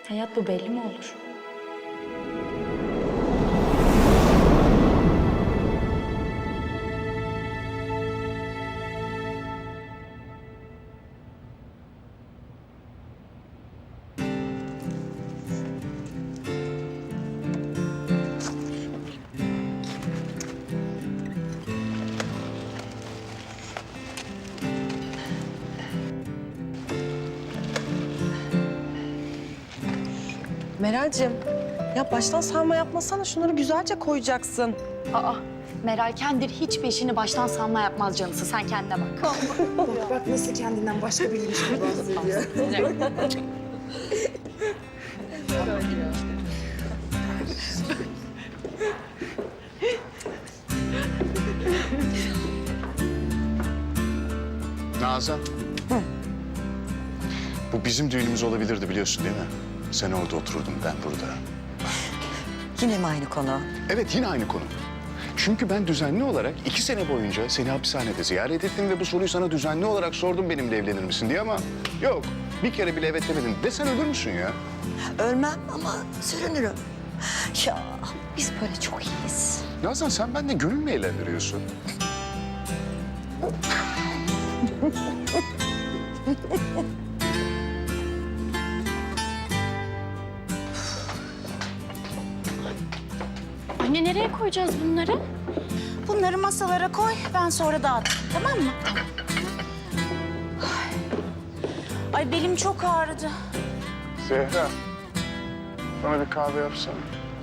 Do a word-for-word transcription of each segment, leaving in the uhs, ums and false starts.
Hayat bu belli mi olur? Meral'cim, ya baştan sarma yapmasana. Şunları güzelce koyacaksın. Aa, Meral kendir hiç peşini baştan sanma yapmaz canısı. Sen kendine bak. Bak nasıl kendinden başka biriymiş gibi bahsediyor. Nazan. Bu bizim düğünümüz olabilirdi biliyorsun değil mi? Sen orada otururdun, ben burada. Yine mi aynı konu? Evet, yine aynı konu. Çünkü ben düzenli olarak iki sene boyunca seni hapishanede ziyaret ettim ve bu soruyu sana düzenli olarak sordum benimle evlenir misin diye ama yok. Bir kere bile evet demedin. De sen ölür müsün ya? Ölmem ama sürünürüm. Ya biz böyle çok iyiyiz. Nazan sen benimle gönül mü eğlendiriyorsun? Anne nereye koyacağız bunları? Bunları masalara koy, ben sonra dağıtırım, tamam mı? Ay, Ay belim çok ağrıdı. Zehra, bana bir kahve yapsana.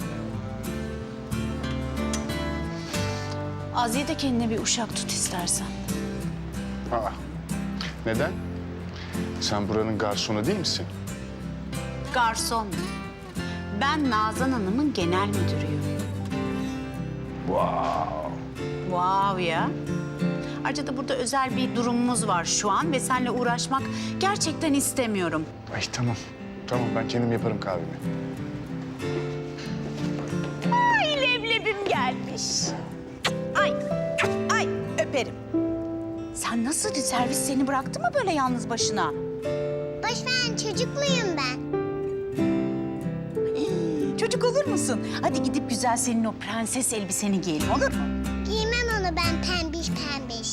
Aziye de kendine bir uşak tut istersen. Aa, neden? Sen buranın garsonu değil misin? Garson. Ben Nazan Hanım'ın genel müdürüyüm. Wow. Wow ya. Ayrıca da burada özel bir durumumuz var şu an ve seninle uğraşmak gerçekten istemiyorum. Ay tamam. Tamam ben kendim yaparım kahvemi. Ay leblebim gelmiş. Ay, ay öperim. Sen nasıl servis seni bıraktı mı böyle yalnız başına? Boş ver, çocukluyum ben. Hii, Çocuk olur musun? Hadi gidip güzel senin o prenses elbiseni giyelim olur mu? Giymem onu ben pembiş pembiş.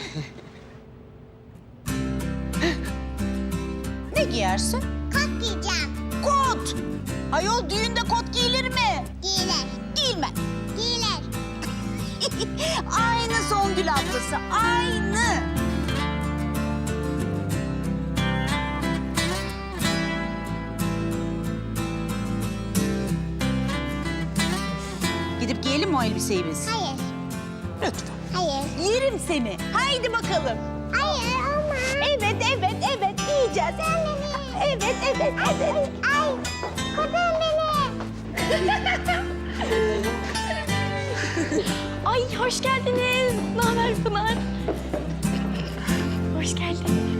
Ne giyersin? Kot giyeceğim. Kot. Ayol düğünde kot giyilir mi? Giyilir. Giyilmez. Giyilir. Aynı Songül ablası, aynı. Gidip giyelim mi o elbiseyi biz? Hayır. Lütfen. Hayır. Yerim seni. Haydi bakalım. Hayır olmaz. Evet, evet, evet. Giyeceğiz. Evet, evet, evet. Ay, kurtarın beni. Ay hoş geldiniz. Ne haber Pınar? Hoş geldin.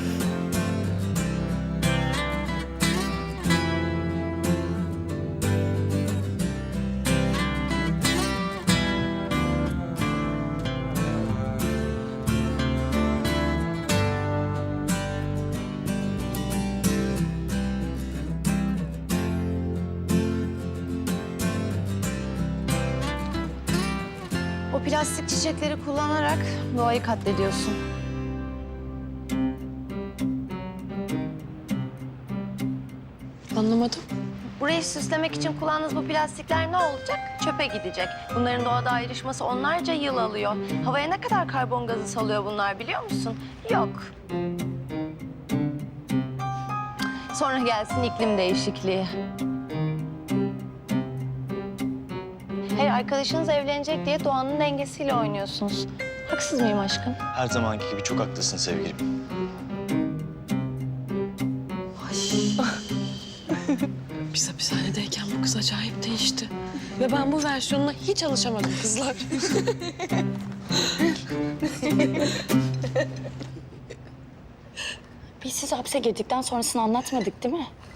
O plastik çiçekleri kullanarak doğayı katlediyorsun. Anlamadım. Burayı süslemek için kullandığınız bu plastikler ne olacak? Çöpe gidecek. Bunların doğada ayrışması onlarca yıl alıyor. Havaya ne kadar karbon gazı salıyor bunlar biliyor musun? Yok. Sonra gelsin iklim değişikliği. Hayır, arkadaşınız evlenecek diye doğanın dengesiyle oynuyorsunuz. Haksız mıyım aşkım? Her zamanki gibi çok haklısın sevgilim. Biz hapishanedeyken bu kız acayip değişti. Ve ben bu versiyonuna hiç alışamadım kızlar. Biz siz hapse girdikten sonrasını anlatmadık değil mi?